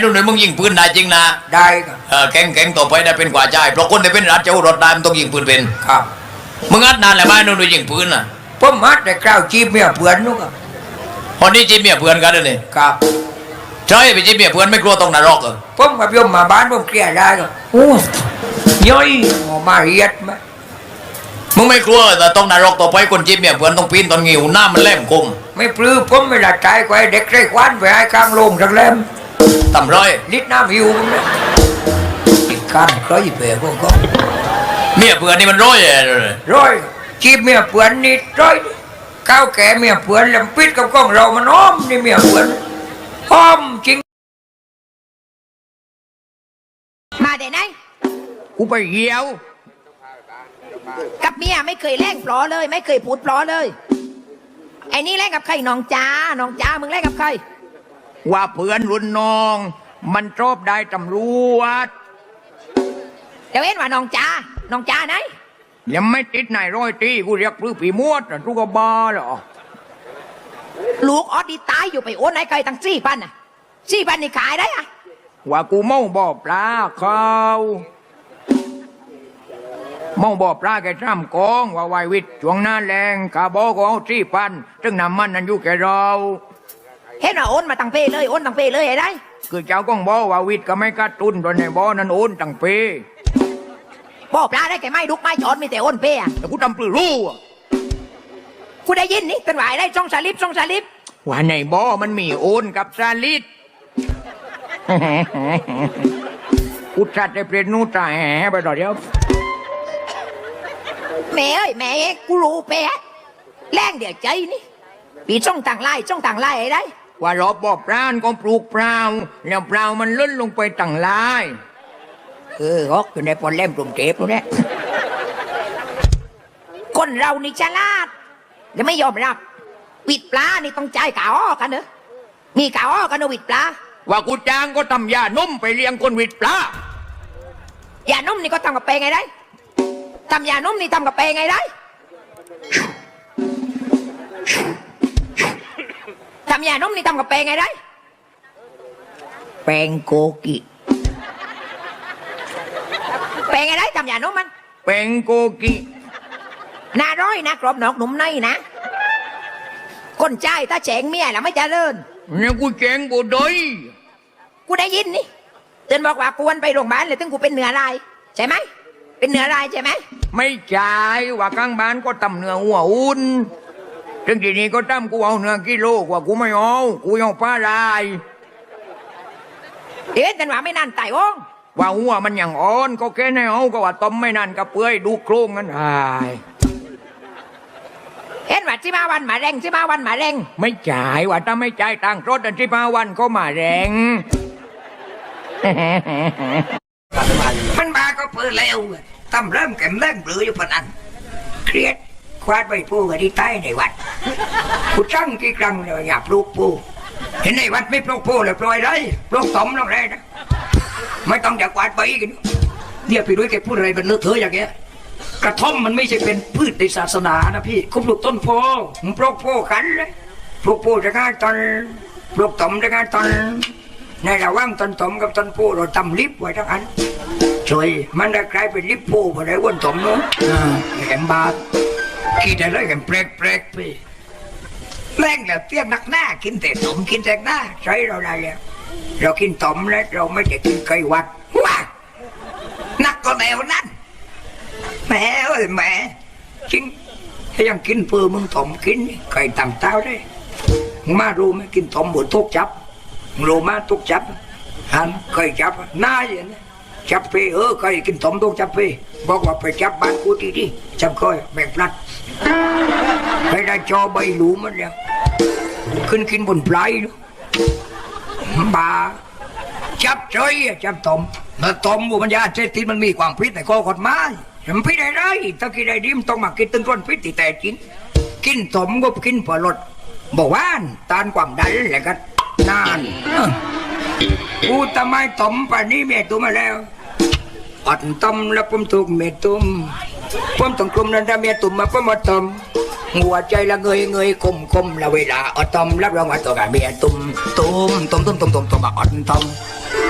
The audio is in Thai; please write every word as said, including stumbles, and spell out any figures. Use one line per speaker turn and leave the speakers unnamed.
นู่นเลยมึงยิงปืนได้จริงนะ
ได้ครับ
เออแข่งแข่งต่อไปได้เป็นกว่าใจเพราะคนที่เป็นรัฐเจ้ารถได้มันต้องยิงปืนเป็น
ครับ
มึงอัดนานแล้วไหมนู่นเลยยิงปืนน่ะ
ผมมัดแต่กล้าวจีบเมียเพื่อนนู้นครับ
คนนี้จีบเมียเพื่อนกันเลยนี่
ครับ
ใช่ไปจีบเมียเพื่อนไม่กลัวตรงนรกเหรอ
ผมกับโยมมาบ้านผมเคลียร์ได้ครับโอ้ย่อยมาเรียดไหม
มึงไม่กลัวแต่ตรงนรกต่อไปคนจีบเมียเพื่อนต้องปีนตอนงิวหน้ามันแหลมคม
ไม่ปลื้มผมไม่ละใจไว้เด็กไร้ควันไปให้ข้างโลงสักเล่ม
ต่ำร้อย
ลิดน้ำหิวผมเนี่ยติดการร้อยเปรย์พวกเขา
เมียเพื่อนนี่มันร้อยเลย
ร้อยจีบเมียเพื่อนนี่ร้อยก้าวแก่เมียเพื่อนลำปิดกับกล้องเรามันอ้อมนี่เมียเพื่อนอ้อมจริง
มาแต่ไหน
กูไปเหี่ยว
กับเมียไม่เคยแล่งปลอเลยไม่เคยพูดปลอเลยไอ้นี่แล่งกับใครน้องจ้าน้องจ้ามึงแล่งกับใคร
ว่าเพื่อนรุ่นน้องมันชอบได้ตำรวจ
เดี๋ยวเอ็นว่าน้องจ้าน้องจ้าไหน
ยังไม่ติดนายร้อยตีกูเรียกปลื้มปีมวดทุกบ้าเหรอ
ลูกออดดีตายอยู่ไปโอนไหนใครตั้งสี่พันอ่ะสี่พันนี่ขายได้อะ
ว่ากูเมาบ่อปลาเขาเมาบ่อปลาแกจ้ำกองว่าไววิทย์ช่วงหน้าแรงขาบอกก็เอาสี่พันซึ่งนำมันนั้นอยู่แกเรา
เห็นว่าโอนมาตั้งเป้เลยโอนตั้งเป้เลยไอ้ได้
คือเจ้าก้องบอกว่าวิทย์ก็ไม่กระตุ้นตอนในบ่อนั้นโอนตั้งเป้
บ่อปลาได้แกไม่ดุกไม่จอดมีแต่โอนเป้อะ
แต่กูทำปลื้รู้
กูได้ยินนี่เป็นหวายได้ช่องสลิปช่องสลิป
ว่าในบ่อมันมีโอนกับสลิปกูจัดได้เปลี่ยนนู่นจ่ายแห่ไปต่อเดียว
แม่เอ้ยแม่กูรู้เป้แรงเดี๋ยวใจนี่ปีช่องต่างไล่ช่องต่างไล่ไอ้ได้
ว่ารอบบ่อปลาก็ปลูกเปล่าแล้วเปล่ามันล้นลงไปต่างไล่เออฮอกอยู่ในปอนเล่มกลุ่มเจ็บตรงนี้
คนเรานี่ฉลาดและไม่ยอมรับวิดปลานี่ต้องจ่ายกาอ้อกันเนอะมีกาอ้อกันเนอะวิดปลา
ว่ากูจ้างก็ทำยานุ่มไปเลี้ยงคนวิดปลา
ยานุ่มนี่ก็ทำกับเปไงได้ทำยานุ่มนี่ทำกับเปไงได้ทำยานุ่มนี่ทำกับเปไงได้
แปงโกกิ
เปไงได้ทำยานุ่มมัน
แปงโกกิ
น่าร้อยนะกรอบนอกหนุ่มในนะคนใจถ้าแฉงเมียแล้วไม่จะเลิน
เนี่ยกูแฉงบุดอย
กูได้ยินนี่เตือนบอกว่ากูวันไปโรงพยาบาลเลยถึงกูเป็นเหนือลายใช่ไหมเป็นเหนือลายใช่ไหม
ไม่ใช่ว่าข้างบ้านก็ตำเนื้อหัวอุ่นถึงทีนี้ก็ตำกูเอาเนื้อกิโลกว่ากูไม่เอากูเอาปลาลาย
เอ๊ะแต่ว่าไม่นานไต่อ้อง
ว่าหัวมันอย่างอ่อนก็แค่ในเอาก็ว่าต้มไม่นานก็เปื่อยดูโครงกันหาย
เห็นว่าที่มาวันมาแรงที่มาวันมาแรง
ไม่จ่ายว่าถ้าไม่จ่ายตังค์รถที่มาวันก็มาแรงมันมาก็เปิดแล้วตั้มเริ่มแก่มเล่นเบลืออยู่ปนันเครียดควาดใบปูกับที่ใต้ในวัดกูจังกี่ครั้งเลยอยากปลูกปูเห็นในวัดไม่ปลูกปูเลยปล่อยเลยปลูกสมลงเลยนะไม่ต้องอยากกวาดใบกันเนี่ยพี่ด้วยแกพูดอะไรเป็นเลอะเทอะอย่างเงี้ยกระท่อมมันไม่ใช่เป็นพืชในศาสนานะพี่เขาปลูกต้นโพมันปลูกโพกันเลยปลูกโพจะง่ายตอนปลูกต้นจะง่ายตอนในระหว่างต้นต้นกับต้นโพเราทำลิฟต์ไว้ทั้งอันช่วยมันได้กลายเป็นลิฟต์โพไปได้วนต้นเนาะแข็งบาดกินอะไรกันแปลกแปลกพี่แรงแล้วเตี้ยนักหน้ากินแต่ต้มกินแต่หน้าใช้เราได้แล้วเรากินต้มแล้วเราไม่ได้กินไก่วัดว้านักก็แนวนั้นแม่เอ้ยแม่จริงยังกินเปื่อมึงต้มกินไก่ต่ำเต้าได้มารู้ไหมกินต้มบนทุกจับรู้มาทุกจับหันไก่จับหน้าอย่างนี้จับไปเออไก่กินต้มทุกจับไปบอกว่าไปจับบ้านกูทีดิจับก้อยแบ่งพลัดไปได้จอใบหลูมันแล้วขึ้นกินบนปลายบาจับเฉยจับต้มแล้วต้มบุมันยาเจติมันมีความพิษในข้อกฎหมายมันพิษอะไรถ้ากินได้ดิ้มต้องมากินตึงก้นพิษที่แต่จริงกินต้มก็กินเพื่อลดบอกว่าตานความดันแหละกันนานกูทำไมต้มป่านนี้เมียตุ้มมาแล้วอัดต้มแล้วผมถูกเมียตุ้มผมต้องกลุ่มนั้นถ้าเมียตุ้มมาผมมาต้มหัวใจละเงยเงยคมคมละเวลาอดตอมรับรองว่าตัวกับเมียตุ่มตุ่มตุ่มตุ่มตุ่มตุ่มตุ่มอดตอม